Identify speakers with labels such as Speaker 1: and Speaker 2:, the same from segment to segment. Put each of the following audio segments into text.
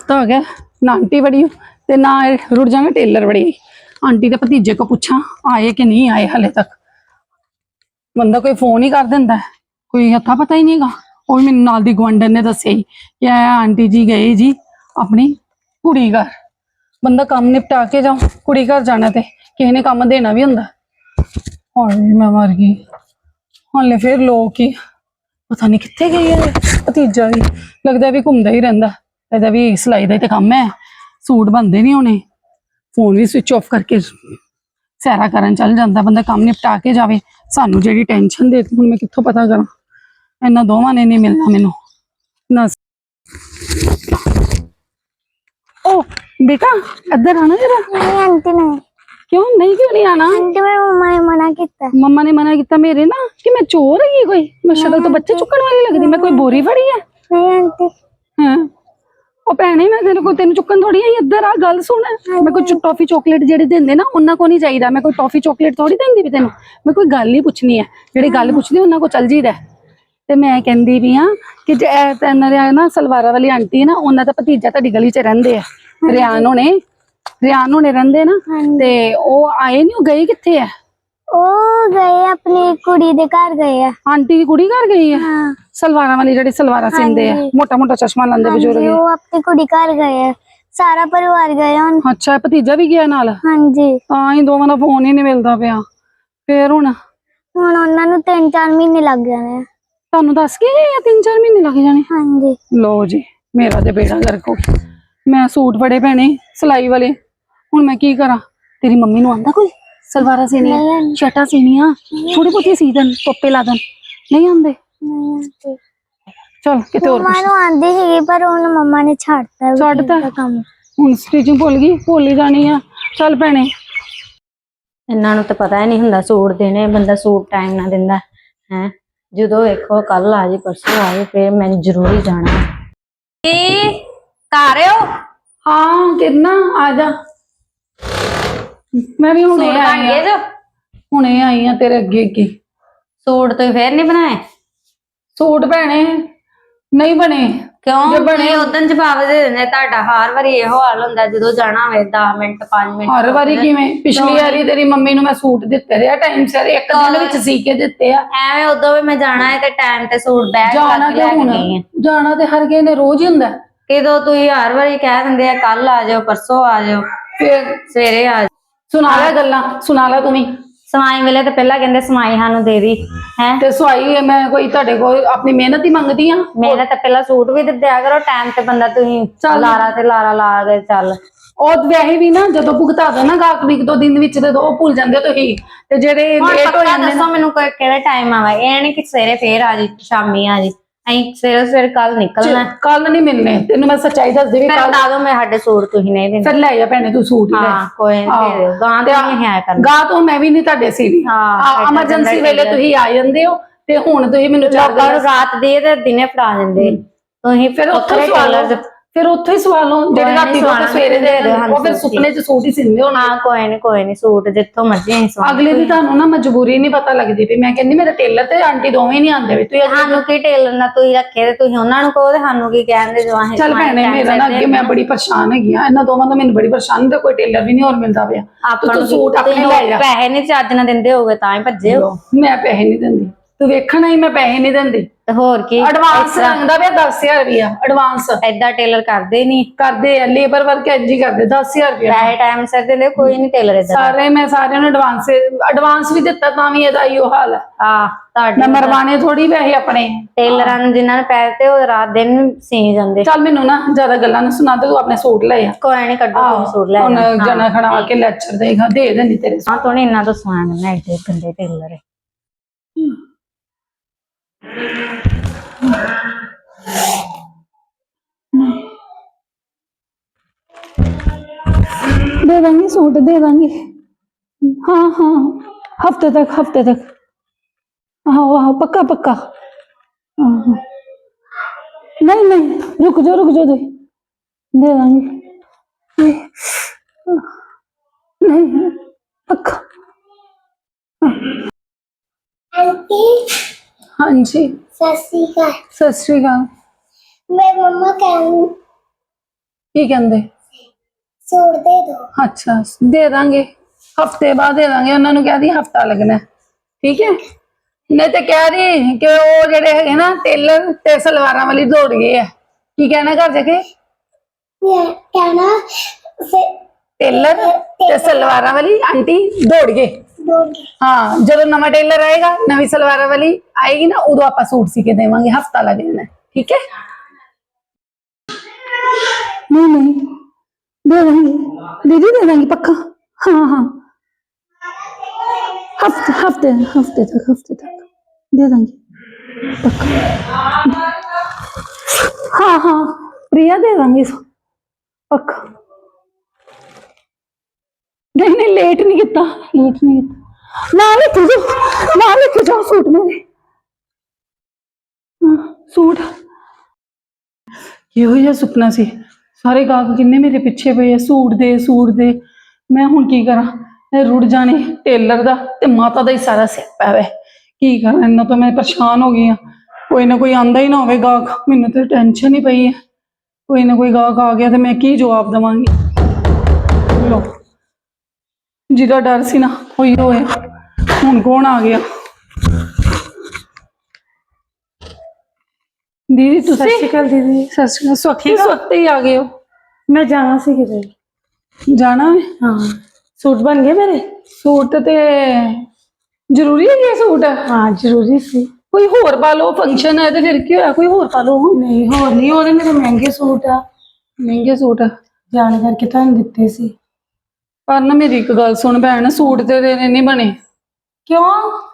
Speaker 1: हफ्ता हो गया ना आंटी बड़ी ते ना रुड़ जाएंगे टेलर बड़ी। आंटी के भतीजे को पूछा आए कि नहीं आए हाले तक। बंदा कोई फोन ही कर देंदा है, कोई अता पता ही नहीं गा। और मेरे नाल दी गुआंढन ने दस्सिया ही कि आंटी जी गए जी अपनी कुड़ी घर। बंदा काम निपटा के जाओ, कुड़ी घर जाना ते किसी ने काम देना भी हुंदा। हाय मैं मर गई। हाले फिर लोग की पता नहीं कित्थे गई है भतीजा भी, लगता भी घूमदा ही रहिंदा। ਇਹਦਾ भी सिलाई ਦਾ ਤੇ ਕੰਮ है, सूट बनते नहीं होने। फोन भी स्विच ऑफ करके सैरा करन चल जाता। बंदा काम निपटा के जावे, सानू जेडी टेंशन दे हुण मैं कित्थों पता करा। इन्ना दोवां ने नहीं मिलना मैनू ना। ओ बेटा इधर आना जरा।
Speaker 2: नहीं आंटी नहीं।
Speaker 1: क्यों नहीं, क्यों नहीं आना?
Speaker 2: आंटी मेरी मम्मा ने मना किया।
Speaker 1: मम्मा ने मना किया मेरे ना कि मैं चोर है कोई? मैं शक्ल तो बच्चे चुकन वाली लगती, मैं कोई बोरी फड़ी है?
Speaker 2: नहीं आंटी।
Speaker 1: हाँ ਉਹ ਭੈਣੇ ਮੈਂ ਤੇਰੇ ਕੋਲ ਤੈਨੂੰ ਚੁੱਕਣ ਥੋੜੀ ਆਈ। ਇੱਧਰ ਆ ਗੱਲ ਸੁਣ। ਮੈਂ ਕੋਈ ਟੌਫੀ ਚੋਕਲੇਟ ਜਿਹੜੇ ਦਿੰਦੇ ਨਾ ਉਹਨਾਂ ਕੋ ਨਹੀਂ ਚਾਹੀਦਾ। ਮੈਂ ਕੋਈ ਟੌਫੀ ਚੋਕਲੇਟ ਥੋੜੀ ਦਿੰਦੀ ਵੀ ਤੈਨੂੰ। ਮੈਂ ਕੋਈ ਗੱਲ ਹੀ ਪੁੱਛਣੀ ਹੈ, ਜਿਹੜੀ ਗੱਲ ਪੁੱਛਦੀ ਉਹਨਾਂ ਕੋ ਚੱਲ ਜੀਦਾ। ਤੇ ਮੈਂ ਕਹਿੰਦੀ ਵੀ ਆ ਕਿ ਜੇ ਇਹਨਾਂ ਦੇ ਨਾ ਸਲਵਾਰਾ ਵਾਲੀ ਆਂਟੀ ਨਾ, ਉਹਨਾਂ ਦਾ ਭਤੀਜਾ ਤੁਹਾਡੀ ਗਲੀ 'ਚ ਰਹਿੰਦੇ ਆ, ਰਿਆਨ ਹੋਣੇ ਰਹਿੰਦੇ ਨਾ। ਤੇ ਉਹ ਆਏ ਨਹੀਂ, ਉਹ ਗਏ ਕਿੱਥੇ ਆ?
Speaker 2: ਉਹ ਗਏ ਆਪਣੀ ਕੁੜੀ ਦੇ ਘਰ ਗਏ ਆ।
Speaker 1: ਆਂਟੀ ਦੀ ਕੁੜੀ ਘਰ ਗਈ ਹੈ?
Speaker 2: ਹਾਂ
Speaker 1: ਸਲਵਾਰਾਂ ਵਾਲੀ ਜਿਹੜੀ ਸਲਵਾਰਾਂ ਸਿੰਦੇ ਆ, ਮੋਟਾ ਮੋਟਾ ਚਸ਼ਮਾ ਲਾਉਂਦੇ ਬਜ਼ੁਰਗ।
Speaker 2: ਉਹ ਆਪਣੀ ਕੁੜੀ ਘਰ ਗਏ ਆ, ਸਾਰਾ ਪਰਿਵਾਰ ਗਏ ਹੁਣ।
Speaker 1: ਅੱਛਾ ਭਤੀਜਾ ਵੀ ਗਿਆ ਨਾਲ?
Speaker 2: ਹਾਂਜੀ।
Speaker 1: ਤਾਂ ਹੀ ਦੋਵਾਂ ਦਾ ਫੋਨ ਹੀ ਨਹੀਂ ਮਿਲਦਾ ਪਿਆ। ਫੇਰ ਹੁਣ
Speaker 2: ਉਹਨਾਂ ਨੂੰ 3-4 ਮਹੀਨੇ ਲੱਗ ਜਾਣੇ ਆ।
Speaker 1: ਤੁਹਾਨੂੰ ਦੱਸ ਕੇ ਗਏ ਆ 3-4 ਮਹੀਨੇ ਲੱਗ ਜਾਣੇ?
Speaker 2: ਹਾਂਜੀ।
Speaker 1: ਲੋ ਜੀ ਮੇਰਾ ਤੇ ਬੇੜਾ ਗਰਕ ਹੋ ਗਿਆ। ਮੈਂ ਸੂਟ ਬੜੇ ਪੈਣੇ ਸਿਲਾਈ ਵਾਲੇ, ਹੁਣ ਮੈਂ ਕੀ ਕਰਾਂ? ਤੇਰੀ ਮੰਮੀ ਨੂੰ ਆਂਦਾ ਕੋਈ ਸਲਵਾਰਾਂ ਸੀਨੀਆਂ, ਸ਼ਰਟਾਂ ਸੀਨੀਆਂ, ਥੋੜੀ ਬਹੁਤੀ ਸੀ ਦੇਣ, ਟੋਪੇ ਲਾ ਦੇਣ? ਨਹੀਂ ਆਂਦੇ? ਚਲ ਕਿਤੇ ਹੋਰ
Speaker 2: ਮੰਮਾ ਨੂੰ ਆਂਦੀ ਸੀਗੀ ਪਰ ਹੁਣ ਮੰਮਾ ਨੇ ਛੱਡਤਾ ਕੰਮ।
Speaker 1: ਹੁਣ ਸਟਿਚਿੰਗ ਭੁੱਲ ਗਈ, ਭੁੱਲ ਹੀ ਜਾਣੀ ਆ। ਚੱਲ ਭੈਣੇ
Speaker 3: ਇਹਨਾਂ ਨੂੰ ਤਾਂ ਪਤਾ ਹੀ ਨਹੀਂ ਹੁੰਦਾ ਸੂਟ ਦੇਣੇ, ਬੰਦਾ ਸੂਟ ਟਾਈਮ ਨਾਲ ਦਿੰਦਾ ਹੈ। ਜਦੋਂ ਵੇਖੋ ਕੱਲ ਆ ਜੀ ਪਰਸੋਂ ਆ ਜੀ, ਫਿਰ ਮੈਨੂੰ ਜ਼ਰੂਰੀ ਜਾਣਾ। ਕੀ ਕਰ ਰਹੇ ਹੋ?
Speaker 1: ਹਾਂ ਕਿਰਨਾ ਆ ਜਾ। ਮੈਂ ਵੀ ਹੁਣੇ ਆਈ ਆ ਤੇਰੇ ਅੱਗੇ।
Speaker 3: ਸੂਟ ਤੁਸੀਂ ਫੇਰ ਨਹੀਂ ਬਣਾਏ?
Speaker 1: ਸੂਟ ਭੈਣੇ ਨਹੀਂ ਬਣੇ।
Speaker 3: ਕਿਉਂ? ਬਣੇ ਉਦੋਂ ਜਵਾਬ ਦੇ ਦਿੰਦੇ। ਤੁਹਾਡਾ ਹਰ ਵਾਰੀ ਇਹੋ ਹਾਲ ਹੁੰਦਾ, ਜਦੋਂ ਜਾਣਾ ਹੋਵੇ 10 ਮਿੰਟ 5 ਮਿੰਟ।
Speaker 1: ਹਰ ਵਾਰੀ ਕਿਵੇਂ? ਪਿਛਲੀ ਵਾਰੀ ਤੇਰੀ ਮੰਮੀ ਨੂੰ ਮੈਂ ਸੂਟ ਦਿੱਤੇ ਰਿਹਾ ਟਾਈਮ ਸਿਰ, ਇੱਕ ਦਿਨ ਵਿੱਚ ਸੀ ਕੇ ਦਿੱਤੇ ਆ।
Speaker 3: ਐਵੇਂ ਉਦੋਂ ਵੀ ਮੈਂ ਜਾਣਾ ਹੈ ਤੇ ਟਾਈਮ ਤੇ ਸੂਟ ਬੈਗ
Speaker 1: ਜਾਣਾ ਤੇ ਹੁਣ ਜਾਣਾ ਤੇ ਹਰ ਕਿਸੇ ਨੇ ਰੋਜ਼ ਹੀ ਹੁੰਦਾ।
Speaker 3: ਕਿਦੋਂ ਤੁਸੀਂ ਹਰ ਵਾਰੀ ਕਹਿ ਦਿੰਦੇ ਆ ਕੱਲ ਆ ਜਾਓ, ਪਰਸੋਂ ਆ ਜਾਓ,
Speaker 1: ਫਿਰ
Speaker 3: ਸਵੇਰੇ ਆ ਜਾਓ।
Speaker 1: ਸੁਣਾ ਲੈ ਗੱਲਾਂ, ਸੁਣਾ ਲੈ ਤੂੰ ਵੀ।
Speaker 3: ਸਵਾਈ ਵੇਲੇ ਤਾਂ ਪਹਿਲਾਂ ਕਹਿੰਦੇ ਸਵਾਈ ਸਾਨੂੰ ਦੇ ਦੀ ਹੈ।
Speaker 1: ਤੇ ਸਵਾਈ ਮੈਂ ਕੋਈ ਤੁਹਾਡੇ ਕੋਲ ਆਪਣੀ ਮਿਹਨਤ ਹੀ ਮੰਗਦੀ ਆ?
Speaker 3: ਮਿਹਨਤ ਤਾਂ ਪਹਿਲਾਂ ਸੂਟ ਵੀ ਦਿਆ ਕਰੋ ਟਾਈਮ ਤੇ, ਬੰਦਾ ਤੁਸੀਂ ਲਾਰਾ ਤੇ ਲਾਰਾ ਲਾ ਕੇ ਚੱਲ।
Speaker 1: ਉਹ ਵੈਸੇ ਵੀ ਨਾ ਜਦੋਂ ਭੁਗਤਾ ਦੋ ਨਾ ਗਾਹਕ ਇੱਕ ਦੋ ਦਿਨ ਵਿੱਚ, ਤੇ ਉਹ ਭੁੱਲ ਜਾਂਦੇ ਤੁਸੀਂ। ਤੇ ਜਿਹੜੇ ਲੇਟ ਹੋ ਜਾਂਦੇ
Speaker 3: ਦੱਸੋ ਮੈਨੂੰ ਕਿਹੜਾ ਟਾਈਮ ਆਵਾ? ਇਹ ਨਹੀਂ ਕਿ ਸਵੇਰੇ ਫੇਰ ਆ ਜੀ, ਸ਼ਾਮੀ ਆ ਜੀ। ਅਸੀਂ ਸਵੇਰੇ ਕੱਲ ਨਿਕਲਣਾ।
Speaker 1: ਕੱਲ ਨਹੀਂ ਮਿਲਨੇ ਤੈਨੂੰ, ਮੈਂ ਸੱਚਾਈ ਦੱਸਦੀ ਵੀ।
Speaker 3: ਕੱਲ ਬਤਾ ਦੋ ਮੈਂ ਸਾਡੇ ਸੂਟ ਤੁਸੀਂ ਨਹੀਂ ਦਿੰਦੇ।
Speaker 1: ਫਿਰ ਲੈ ਜਾ ਭੈਣੇ ਤੂੰ ਸੂਟ ਹੀ ਲੈ।
Speaker 3: ਹਾਂ ਕੋਈ ਨਹੀਂ, ਗਾਂ ਤੇ ਨਹੀਂ ਆਇਆ ਕਰਨਾ।
Speaker 1: ਗਾਂ ਤੋਂ ਮੈਂ ਵੀ ਨਹੀਂ ਤੁਹਾਡੇ ਸੀਰੀ। ਐਮਰਜੈਂਸੀ ਵੇਲੇ ਤੁਸੀਂ ਆ ਜਾਂਦੇ ਹੋ, ਤੇ ਹੁਣ ਤੁਸੀਂ ਮੈਨੂੰ
Speaker 3: ਲੋਕਾਂ ਨੂੰ ਰਾਤ ਦੇ ਤੇ ਦਿਨੇ ਫੜਾ ਦਿੰਦੇ ਤੁਸੀਂ।
Speaker 1: ਫਿਰ ਉੱਥੇ ਸਵਾਲ, ਫਿਰ ਉੱਥੇ ਹੀ ਸਵਾਲ ਹੋ ਜਿਹੜੇ ਰਾਤੀ ਤੋਂ ਸਵੇਰੇ ਦੇ ਦਿਓ। ਉਹ ਫਿਰ ਸੁਪਨੇ ਚ ਸੂਟ ਹੀ ਸਿੰਦੇ ਹੋਣਾ।
Speaker 3: ਹਾਂ ਕੋਈ ਨਹੀਂ ਸੂਟ ਜਿੱਥੋਂ ਮਰਜ਼ੀ ਅਸੀਂ ਸਵਾ।
Speaker 1: ਅਗਲੇ ਦੀ ਤੁਹਾਨੂੰ ਨਾ ਮਜਬੂਰੀ ਨਹੀਂ ਪਤਾ ਲੱਗਦੀ ਵੀ। ਮੈਂ ਕਹਿੰਦੀ ਮੇਰਾ ਟੇਲਰ ਤੇ ਆਂਟੀ ਦੋਵੇਂ ਨਹੀਂ ਆਉਂਦੇ ਵੀ। ਤੁਸੀਂ
Speaker 3: ਸਾਨੂੰ ਕੀ ਟੇਲਰ ਨਾਲ ਤੁਸੀਂ ਰੱਖੇ ਤੇ ਤੁਸੀਂ ਉਹਨਾਂ ਨੂੰ ਕਹੋ, ਤੇ ਸਾਨੂੰ ਕੀ ਕਹਿੰਦੇ ਜੋ ਅਸੀਂ।
Speaker 1: ਚੱਲ ਭੈਣੇ ਮੇਰਾ ਨਾ ਅੱਗੇ ਮੈਂ ਬੜੀ ਪਰੇਸ਼ਾਨ ਹੈਗੀ ਆ, ਇਹਨਾਂ ਦੋਵਾਂ ਤੋਂ ਮੈਨੂੰ ਬੜੀ ਪਰੇਸ਼ਾਨ, ਤੇ ਕੋਈ ਟੇਲਰ ਵੀ ਨਹੀਂ ਹੋਰ ਮਿਲਦਾ ਪਿਆ।
Speaker 3: ਆਪਾਂ
Speaker 1: ਸੂਟ ਆਪਣੇ ਲੈ ਜਾ।
Speaker 3: ਪੈਸੇ ਨਹੀਂ ਚੱਜ ਨਾਲ ਦਿੰਦੇ ਹੋਗੇ ਤਾਂ ਹੀ ਭੱਜੇ ਹੋ।
Speaker 1: ਮੈਂ ਪੈਸੇ ਨਹੀਂ ਦਿੰਦੀ, ਤੂੰ ਵੇਖਣਾ ਹੀ ਮੈਂ ਪੈਸੇ ਨਹੀਂ ਦਿੰਦੀ।
Speaker 3: ਤੇ ਹੋਰ ਕੀ
Speaker 1: ਐਡਵਾਂਸ ਮੰਗਦਾ ਪਿਆ 10,000 ਰੁਪਇਆ ਐਡਵਾਂਸ।
Speaker 3: ਏਦਾਂ ਟੇਲਰ ਕਰਦੇ ਨਹੀਂ?
Speaker 1: ਕਰਦੇ ਆ, ਲੇਬਰ ਵਰਕ ਇੰਜ ਹੀ ਕਰਦੇ। 10,000 ਰੁਪਇਆ
Speaker 3: ਪੈਸੇ ਟਾਈਮ ਸਿਰ ਦਿੰਦੇ, ਕੋਈ ਨਹੀਂ ਟੇਲਰ ਏਦਾਂ।
Speaker 1: ਸਾਰੇ ਮੈਂ ਸਾਰਿਆਂ ਨੂੰ ਐਡਵਾਂਸ ਵੀ ਦਿੱਤਾ, ਤਾਂ ਵੀ ਇਹਦਾ ਹੀ ਹਾਲ ਹੈ।
Speaker 3: ਤੁਹਾਡੇ
Speaker 1: ਮੈਂ ਮਰਵਾਣੇ ਥੋੜੀ ਪੈਸੇ ਆਪਣੇ
Speaker 3: ਟੇਲਰਾਂ ਨੂੰ, ਜਿਨ੍ਹਾਂ ਨੇ ਪੈਸੇ ਤੇ ਉਹ ਰਾਤ ਦਿਨ ਸੀ ਜਾਂਦੇ।
Speaker 1: ਚੱਲ ਮੈਨੂੰ ਨਾ ਜ਼ਿਆਦਾ ਗੱਲਾਂ ਨਾ ਸੁਣਾ ਦੇ, ਤੂੰ ਆਪਣੇ ਸੂਟ ਲੈ ਆ।
Speaker 3: ਕੋਈ ਨਹੀਂ ਕੱਢੋ ਤੁਸੀਂ ਸੂਟ ਲੈ
Speaker 1: ਹੁਣ ਜਣਾ ਖਣਾ ਕੇ ਲੈਕਚਰ ਦੇਗਾ, ਦੇ ਦੇਣੀ ਤੇਰੇ
Speaker 3: ਹਾਂ ਤੋਂ ਇਹਨਾਂ ਤੋਂ ਸਵਾਨ ਨਾ ਏਡੇ ਗੰਦੇ ਟੇਲਰ ਹੈ।
Speaker 1: दे देंगे सूट, दे देंगे। हाँ हाँ हफ्ते तक। हाँ हाँ पक्का पक्का। हाँ नहीं रुक जाओ दे देंगे। नहीं पक्का।
Speaker 2: आंटी।
Speaker 1: हाँ जी।
Speaker 2: सत श्री अकाल।
Speaker 1: सत श्री अकाल।
Speaker 2: मैं मम्मा कहूँ
Speaker 1: ਕੀ ਕਹਿੰਦੇ?
Speaker 2: सूट दे दो।
Speaker 1: ਅੱਛਾ ਦੇ ਦਾਂਗੇ, ਹਫਤੇ ਬਾਅਦ ਦੇ ਦਾਂਗੇ। ਉਹਨਾਂ ਨੂੰ ਕਹਿ ਦੀ ਹਫਤਾ ਲੱਗਣਾ ਹੈ, ਠੀਕ ਹੈ। ਨਹੀਂ ਤੇ ਕਹਿ ਦੀ ਕਿ ਉਹ ਜਿਹੜੇ ਹੈਗੇ ਨਾ ਟੇਲਰ ਤੇ ਸਲਵਾਰਾਂ ਵਾਲੀ ਦੌੜ ਗਏ ਆ। ਕੀ ਕਹਿਣਾ ਘਰ ਜਾ ਕੇ?
Speaker 2: ये कहना से
Speaker 1: ਟੇਲਰ ਤੇ ਸਲਵਾਰਾਂ ਵਾਲੀ ਆਂਟੀ ਦੌੜ ਗਏ।
Speaker 2: दौड़ गए।
Speaker 1: ਹਾਂ, ਜਦੋਂ ਨਵਾਂ ਟੇਲਰ ਆਏਗਾ, ਨਵੀਂ ਸਲਵਾਰਾਂ ਵਾਲੀ ਆਏਗੀ ਨਾ, ਉਦੋਂ ਆਪਾਂ ਸੂਟ ਸੀ ਕੇ ਦੇਵਾਂਗੇ। ਹਫਤਾ ਲੱਗ ਜਾਣਾ ਹੈ, ਠੀਕ ਹੈ। नहीं नहीं दे देंगे दीदी, दे देंगे पक्का। हाँ हाँ हफ्ते हफ्ते हफ्ते तक दे देंगे पक्का। हाँ हाँ प्रिया दे देंगे पक्का। नहीं नहीं लेट नहीं किया, लेट नहीं किया। ना लेके जाओ सूट मेरे। हाँ, सूट ਇਹੋ ਜਿਹਾ ਸੁਪਨਾ ਸੀ। ਸਾਰੇ ਗਾਹਕ ਕਿੰਨੇ ਮੇਰੇ ਪਿੱਛੇ ਪਏ ਆ, ਸੂਟ ਦੇ। ਮੈਂ ਹੁਣ ਕੀ ਕਰਾਂ? ਇਹ ਰੁੜ ਜਾਣੇ ਟੇਲਰ ਦਾ ਤੇ ਮਾਤਾ ਦਾ ਹੀ ਸਾਰਾ ਸਿਆਪਾ ਹੈ। ਕੀ ਕਰਾਂ? ਇਹਨਾਂ ਤੋਂ ਮੈਂ ਪਰੇਸ਼ਾਨ ਹੋ ਗਈ ਆ। ਕੋਈ ਨਾ ਕੋਈ ਆਂਦਾ ਹੀ ਨਾ ਹੋਵੇ ਗਾਹਕ, ਮੈਨੂੰ ਤੇ ਟੈਨਸ਼ਨ ਹੀ ਪਈ ਹੈ। ਕੋਈ ਨਾ ਕੋਈ ਗਾਹਕ ਆ ਗਿਆ ਤੇ ਮੈਂ ਕੀ ਜਵਾਬ ਦੇਵਾਂਗੀ? ਲੋ, ਜਿਹਦਾ ਡਰ ਸੀ ਨਾ ਉਹੀ ਹੋਇਆ। ਹੁਣ ਕੌਣ ਆ ਗਿਆ? दीदी तुसी?
Speaker 4: सत श्री अकाल दीदी।
Speaker 1: सत श्री अकाल। स्वखते ही आ गए हो?
Speaker 4: मैं जाना सी किते।
Speaker 1: जाना है?
Speaker 4: हाँ, सूट बन गए मेरे।
Speaker 1: सूट ते जरूरी है ये सूट?
Speaker 4: हाँ जरूरी सी।
Speaker 1: कोई होर पा लो, फंक्शन है तो फिर क्यों है? कोई होर पा लो।
Speaker 4: नहीं होर नहीं, ओदे मेरे महंगे सूट आ।
Speaker 1: महंगे सूट
Speaker 4: जान करके तुहानू दित्ते सी।
Speaker 1: पर ना मेरी एक गल सुन भैन, सूट ते तेरे नहीं बने।
Speaker 4: क्यों?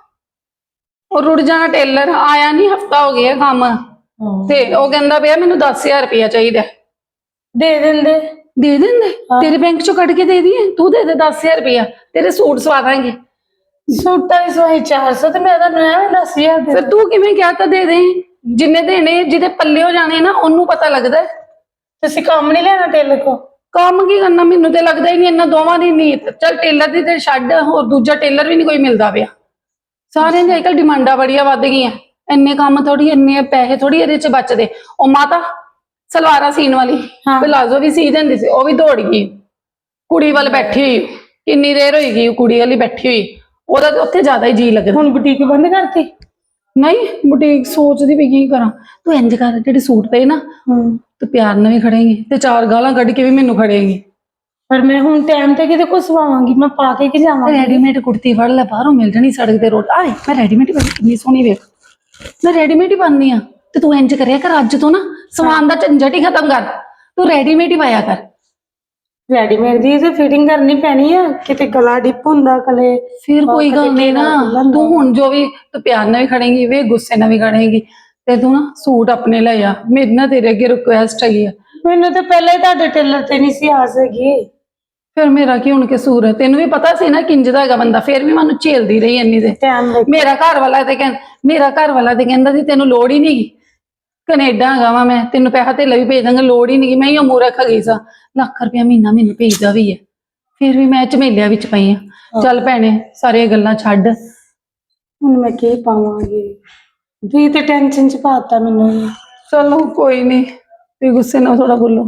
Speaker 1: और रुड़ जाना टेलर आया नहीं, हफ्ता हो गया काम ते ਉਹ ਕਹਿੰਦਾ ਪਿਆ ਮੈਨੂੰ 10000 ਰੁਪਇਆ ਚਾਹੀਦਾ।
Speaker 4: दे देंदे।
Speaker 1: ਦੇ ਦਿੰਦੇ? ਤੇਰੇ ਬੈਂਕ ਚੋਂ ਕੱਢ ਕੇ ਦੇ ਦਈਏ? ਤੂੰ ਦੇ ਦੇ 10000 ਰੁਪਇਆ, ਤੇਰੇ ਸੂਟ ਸਵਾ ਦਾਂਗੇ।
Speaker 4: सूटा की सवाई 400 ते मैं तानू एवें 10000 दे।
Speaker 1: ਫਿਰ ਤੂੰ ਕਿਵੇਂ ਕਿਹਾ ਤਾਂ ਦੇ ਦੇ? ਜਿੰਨੇ ਦੇਣੇ, ਜਿਹਦੇ ਪੱਲੇ ਹੋ ਜਾਣੇ ਨਾ, ਉਹਨੂੰ ਪਤਾ ਲੱਗਦਾ।
Speaker 4: तुसी काम नहीं लेना टेलर को?
Speaker 1: ਕੰਮ ਕੀ ਕਰਨਾ? ਮੈਨੂੰ ਤੇ ਲੱਗਦਾ ਹੀ ਨਹੀਂ ਇਹਨਾਂ ਦੋਵਾਂ ਦੀ ਨੀਤ। ਚੱਲ ਟੇਲਰ ਦੀ ਤੇ ਛੱਡ, ਹੋਰ ਦੂਜਾ ਟੇਲਰ ਵੀ ਨਹੀਂ ਕੋਈ ਮਿਲਦਾ ਪਿਆ। ਸਾਰਿਆਂ ਦੀ ਅੱਜਕੱਲ ਡਿਮਾਂਡਾਂ ਬੜੀਆਂ ਵੱਧ ਗਈਆਂ। ਇੰਨੇ ਕੰਮ ਥੋੜੀ, ਇੰਨੇ ਪੈਸੇ ਥੋੜੀ ਇਹਦੇ ਚ ਬਚਦੇ। ਉਹ ਮਾਤਾ ਸਲਵਾਰਾਂ ਸੀਨ ਵਾਲੀ ਪਲਾਜ਼ੋ ਵੀ ਸੀ ਦਿੰਦੀ ਸੀ, ਉਹ ਵੀ ਦੌੜ ਗਈ ਕੁੜੀ ਵੱਲ ਬੈਠੀ ਹੋਈ। ਕਿੰਨੀ ਦੇਰ ਹੋਈ ਗਈ ਕੁੜੀ ਵਾਲੀ ਬੈਠੀ ਹੋਈ, ਉਹਦਾ ਤੇ ਉੱਥੇ ਜ਼ਿਆਦਾ ਹੀ ਜੀ ਲੱਗਦਾ।
Speaker 4: ਹੁਣ ਬੁਟੀਕ ਬੰਦ ਕਰਤੀ?
Speaker 1: ਨਹੀਂ, ਬੁਟੀਕ ਸੋਚਦੀ ਵੀ ਕੀ ਕਰਾਂ। ਤੂੰ ਇੰਜ ਕਰ, ਜਿਹੜੇ ਸੂਟ ਪਏ ਨਾ ਤੂੰ ਪਿਆਰ ਨਾਲ ਵੀ ਖੜੇਂਗੀ ਤੇ 4 ਗਾਲਾਂ ਕੱਢ ਕੇ ਵੀ ਮੈਨੂੰ ਖੜੇਂਗੀ।
Speaker 4: पर मैं हुण टाइम ते किते को सवावांगी? मैं पा के की जावांगी?
Speaker 1: रेडीमेड कुर्ती फड़ ले, बाहरों मिल जानी सड़क ते रोड। आए मैं रेडीमेड ही कितनी सोहनी वेख, मैं रेडीमेड ही पानी हाँ। ते तू इंज करिया कर, अज तो ना समान दा झंझट ही खत्म कर, तू रेडीमेड ही पाया कर।
Speaker 4: रेडीमेड दी ते फिटिंग करनी पैनी है, किते गला डिप हुंदा कले।
Speaker 1: फिर कोई गल नहीं ना, तू हुण जो भी तू प्यार नाल भी खड़ेगी, वे गुस्से नाल भी खड़ेगी। ते तू ना सूट अपने ले आ, मेरी ना तेरे अगे रिक्वेस्ट है।
Speaker 4: मैनू तो पहले ही तुहाडे टेलर ते नहीं सी आ सकी।
Speaker 1: फिर मेरा की हुण कसूर है? तेनू भी पता सी ना किंज दा हैगा बंदा, फिर भी मैं झेलदी रही इन्नी दे। मेरा घर वाला ते कहंदा सी तेनू लोड़ ही नहीं, कनेडा हैगा वा मैं, तेनू पैसा धेला भी भेज दांगा, लोड़ ही नहीं। मैं ही मूर्ख हैगी सा, लाख रुपया महीना मैनू भेजदा भी है, फिर भी मैं झमेलिया विच पई हां। चल भैणे सारियां गल्लां छड्ड,
Speaker 4: हुण मैं की पावांगी? तुसीं ते टेंशन च पाता मैनू।
Speaker 1: चलो कोई नहीं, तुसीं गुस्से नाल थोड़ा बोलो।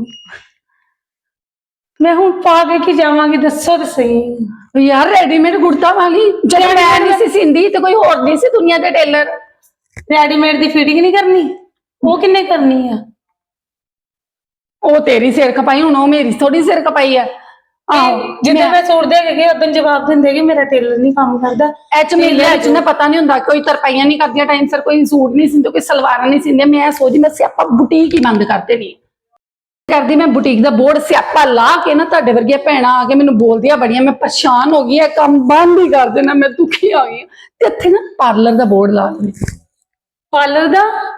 Speaker 4: मैं हुण पा के की जावांगी? दस्सो ते सही
Speaker 1: यार। रेडीमेड कुर्ता वाली जब मैं नहीं सी सींदी ते कोई होर नहीं सी दुनिया दे टेलर।
Speaker 4: रेडीमेड दी फिटिंग नहीं करनी? वो किन्ने करनी है?
Speaker 1: ओ तेरी सिर खपाई, हुण ओ मेरी थोड़ी सिर खपाई है।
Speaker 4: जिद्दां मैं सूट दे के गई उद्दां जवाब दिंदे कि मेरा टेलर नहीं काम करदा।
Speaker 1: एच मेले एच ना पता नहीं हुंदा, कोई तरपाइयां नहीं करदियां टाइम सिर, कोई सूट नहीं सींदे, कोई सलवारां नहीं सींदे। मैं सोचदी मैं सियापा बुटीक ही बंद कर देनी करदी। मैं बुटीक दा बोर्ड सियापा ला के ना तुहाडे वर्गियां भैणां आके मैनूं बोलदियां बड़ियां, मैं परेशान हो गई है, काम बंद ही कर देना, मैं दुखी आ गई ते इत्थे ना पार्लर दा बोर्ड ला देना।
Speaker 4: पार्लर दा?